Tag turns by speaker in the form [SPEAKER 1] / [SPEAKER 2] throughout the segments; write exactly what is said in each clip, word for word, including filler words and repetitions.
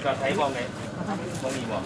[SPEAKER 1] ก็ใช้บ้องไหนบ้องมีบ้อง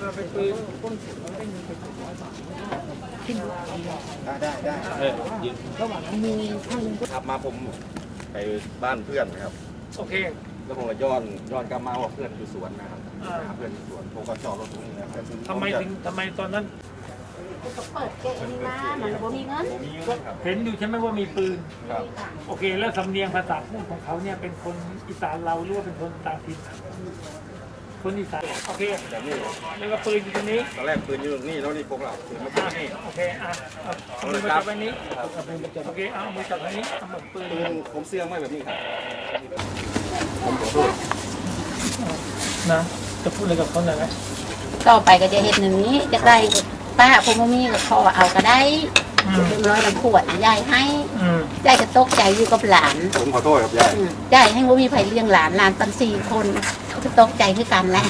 [SPEAKER 2] ได้ได้ได้
[SPEAKER 1] เออยิงขับมาผมไปบ้านเพื่อนนะครับ
[SPEAKER 3] โอเค
[SPEAKER 1] แล้วผมก็ย้อนย้อนกลับมาว่าเพื่อนอยู่สวนนะครับเพื่อนอยู่สวนผมก็จอดรถตรงนี้นะครับ
[SPEAKER 3] ทำไมถึงทำไมตอนนั้น
[SPEAKER 4] ก็เปิดเกะนี่มามันบ่มีเงิน
[SPEAKER 3] เห็นอยู่ใช่ไหมว่ามีปืน
[SPEAKER 1] ครับ
[SPEAKER 3] โอเคแล้วสำเนียงภาษาพูดของเขาเนี่ยเป็นคนอีสานเราหรือว่าเป็นคนต่างถิ่นคนอีสานโอเค
[SPEAKER 1] แบบนี้
[SPEAKER 3] แล้วก็ปืนอยู่ตรงนี้
[SPEAKER 1] ตอนแรกปืนอยู่ตรงนี้แล้วนี่พวกเราปืนมาตรงนี้
[SPEAKER 3] โอเคอ่ะเอามือจับไว้นี้โอเคเอามือจับไว้นี้เอามือปืน
[SPEAKER 1] ปืนผมเสี่ยงไม่แบบนี้ครับผมขอโทษ
[SPEAKER 3] นะจะพูดอะไรกับเขาหน่อยไหม
[SPEAKER 4] ต่อไปก็จะเห็นอย่างนี้จะได้ป้าคงมีก็ขอเอาก็ได้เป็นร้อยลำขวดยายให้ยายจะตกใจอยู่กับหลาน
[SPEAKER 1] ผมขอโทษครับยาย
[SPEAKER 4] ยายให้ว่ามีไผ่เลี้ยงหลานหลานตั้งสี่คนเขาจะตกใจคือกันแหละ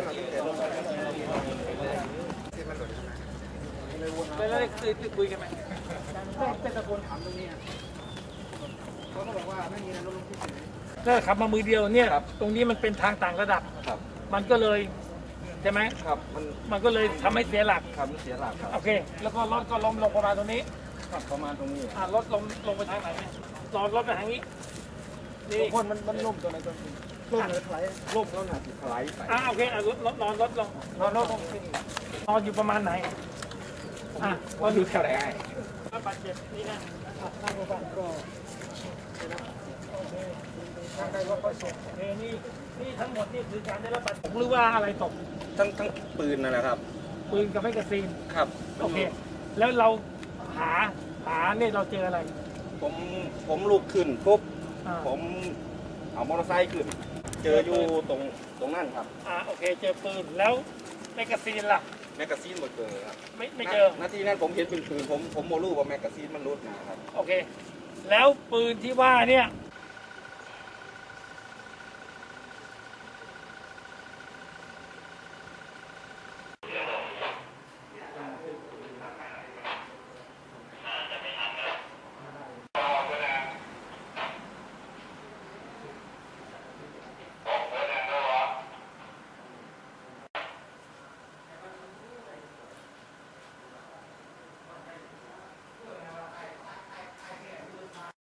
[SPEAKER 3] แล้วได้คุยกันไหมเป็นตะโกนถามตรงนี้เขาก็บอกว่าไม่มีอะไรลงที่ไหนก็ขับมามือเดียวเนี่ยตรงนี้มันเป็นทางต่างระดับมันก็เลยใช่ไหม
[SPEAKER 1] ครับมัน
[SPEAKER 3] มันก็เลยทำให้เสียหลัก
[SPEAKER 1] ครับเสียหลักครับ
[SPEAKER 3] โอเคแล้วก็รถก็ล้มลงประมาณตรงนี้
[SPEAKER 1] ครับประมาณตรงนี้
[SPEAKER 3] อ่ารถลงลงไปทางไหนรอรถไปทางนี้
[SPEAKER 1] นี่คนมันมันล่มตัวไหนตัวนี้ล่มเลยถลายล่มแล้วหนาถลายไป
[SPEAKER 3] อ่าโอเคอ่ารถนอนรถลงนอนรถลงนอนอยู่ประมาณไหนอ่ะ
[SPEAKER 1] ว่าอยู่แถวไหน
[SPEAKER 3] บาดเจ็บนี่นะหน้าโรงพยาบาลก็ทางใดก็ค่อยส่งโอเคนี่นี่ทั้งหมดนี่คือการได้รับบาดเจ็บหรือว่าอะไรตก
[SPEAKER 1] ทั้งทั้งปืนนั่นแหละครับ
[SPEAKER 3] ปืนกับแมกกาซีน
[SPEAKER 1] ครับ
[SPEAKER 3] โอเคแล้วเราหาหาเนี่ยเราเจออะไร
[SPEAKER 1] ผมผมลุกขึ้นปุ๊บผมเอามอเตอร์ไซค์ขึ้นเจออยู่ตรงตรงนั่นครับ
[SPEAKER 3] อ่าโอเคเจอปืนแล้วแมกกาซีนล่ะ
[SPEAKER 1] แมกกาซีนหมดเลยครับ
[SPEAKER 3] ไม่ไม่เจอ
[SPEAKER 1] นาทีนั้นผมเห็นเป็นปืนผมผมโมรู้ว่าแมกกาซีนมันรุดนะครับ
[SPEAKER 3] โอเคแล้วปืนที่ว่าเนี่ย